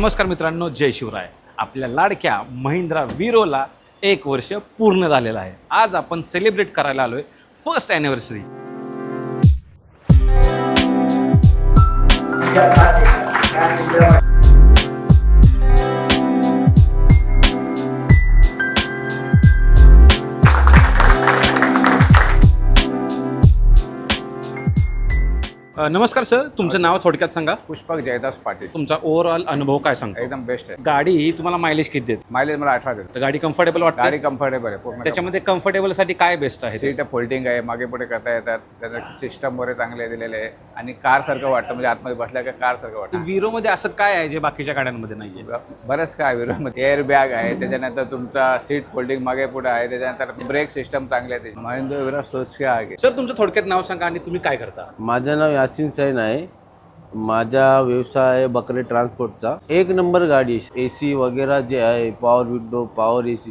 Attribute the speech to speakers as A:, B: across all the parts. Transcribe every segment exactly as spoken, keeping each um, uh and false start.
A: नमस्कार मित्रांनो, जय शिवराय. आपल्या लाडक्या महिंद्रा वीरोला एक वर्ष पूर्ण झालेलं आहे. आज आपण सेलिब्रेट करायला आलोय फर्स्ट ॲनिव्हर्सरी. नमस्कार सर, तुमचं नाव थोडक्यात सांगा.
B: पुष्पक जयदास पाटील.
A: तुमचा ओव्हरऑल अनुभव काय सांगतो?
B: एकदम बेस्ट आहे.
A: गाडी तुम्हाला मायलेज किती देते?
B: मायलेज मला अठरा देतो.
A: तर गाडी कम्फर्टेबल वाटते?
B: गाडी कम्फर्टेबल आहे पूर्ण.
A: त्याच्यामध्ये कम्फर्टेबल साठी काय बेस्ट आहे?
B: सीट फोल्डिंग आहे, मागे पुढे करता येतात, त्याचं सिस्टम वगैरे चांगले दिलेले आहे आणि कार सारखं वाटतं, म्हणजे आतमध्ये बसल्या का कार सारखं वाटतं.
A: वीरो मध्ये असं काय आहे जे बाकीच्या गाड्यांमध्ये नाहीये?
B: बरंच काय विरोमध्ये एअर बॅग आहे, त्याच्यानंतर तुमचा सीट फोल्डिंग मागे पुढे आहे, त्याच्यानंतर ब्रेक सिस्टम चांगले आहे. महिंद्रा वीरो सोचके आहे.
A: सर, तुमचं थोडक्यात नाव सांगा आणि तुम्ही काय करता?
C: माझं नाव यासिन सैन आहे. माझा व्यवसाय आहे बकरे ट्रान्सपोर्टचा. एक नंबर गाडी, ए सी वगैरे जे आहे, power window, power A C,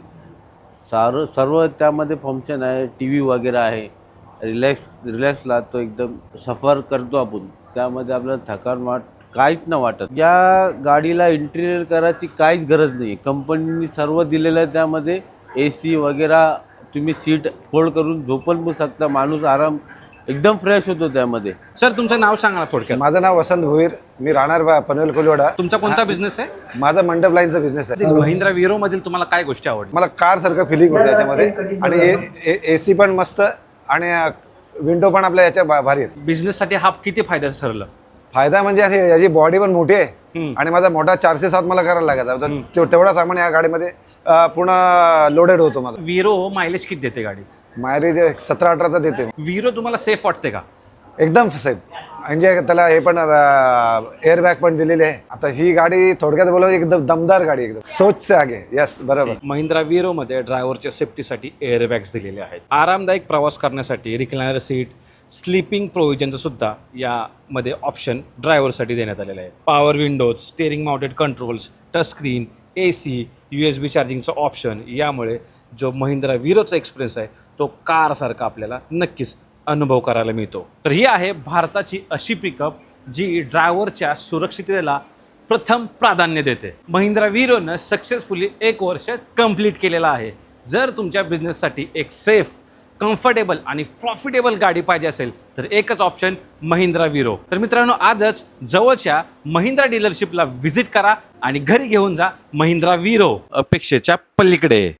C: सारं सर्व त्यामध्ये फंक्शन आहे. टी व्ही वगैरे आहे. रिलॅक्स रिलॅक्स लागतो, एकदम सफर करतो आपण. त्यामध्ये आपल्याला थकान वाट काहीच नाही वाटत. या गाडीला इंटिरियर करायची काहीच गरज नाही. कंपनीने सर्व दिलेलं आहे. त्यामध्ये ए सी वगैरे, तुम्ही सीट फोल्ड करून झोपून पण शकता. माणूस आराम एकदम फ्रेश होतो त्यामध्ये.
A: सर, तुमचं नाव सांगा थोडक्यात.
D: माझं नाव वसंत भोईर, मी राहणार पनवेल कोलीवाडा.
A: तुमचा कोणता बिझनेस आहे?
D: माझा मंडप लाईनचा बिझनेस आहे.
A: महिंद्रा वीरो मधील तुम्हाला काय गोष्टी आवडल्या?
D: मला कार सारखं फिलिंग होतं याच्यामध्ये आणि ए सी पण मस्त आणि विंडो पण आपल्या याच्या भा- भारी आहेत.
A: बिझनेस साठी हा किती फायद्याचं ठरलं?
D: फायदा म्हणजे असे याची बॉडी पण मोठी आहे आणि माझा मोठा चारशे सात मला करायला लागायचा. तर तेवढा सामान या गाडीमध्ये अं, पूर्ण लोडेड होतो. माझा
A: वीरो मायलेज किती देते गाडी?
D: मायलेज सतरा अठराचा देते.
A: वीरो तुम्हाला सेफ वाटते का?
D: एकदम साहेब, म्हणजे त्याला हे पण एअर बॅग पण दिलेली आहे. आता ही गाडी थोडक्यात बोलावं एकदम दमदार गाडी, एकदम सोच से आगे. यस, बरोबर.
A: महिंद्रा वीरो मध्ये ड्रायव्हरच्या सेफ्टीसाठी एअर बॅग्स दिलेले आहेत. आरामदायक प्रवास करण्यासाठी रिक्लायनर सीट, स्लीपिंग प्रोव्हिजनचं सुद्धा यामध्ये ऑप्शन ड्रायव्हरसाठी देण्यात आलेलं आहे. Power windows, steering mounted controls, touch screen, A C, U S B चार्जिंगचं ऑप्शन. यामुळे जो महिंद्रा वीरोचा एक्सपिरियन्स आहे तो कारसारखा आपल्याला नक्कीच अनुभव करायला मिळतो. तर ही आहे भारताची अशी पिकअप जी ड्रायव्हरच्या सुरक्षिततेला प्रथम प्राधान्य देते. महिंद्रा वीरोनं सक्सेसफुली एक वर्ष कंप्लीट केलेलं आहे. जर तुमच्या बिझनेससाठी एक सेफ, कम्फर्टेबल आणि प्रॉफिटेबल गाडी पाहिजे असेल तर एकच ऑप्शन महिंद्रा वीरो. तर मित्रांनो, आजच जवळच्या महिंद्रा डीलरशिपला व्हिजिट करा आणि घरी घेऊन जा महिंद्रा वीरो. अपेक्षेच्या पलीकडे.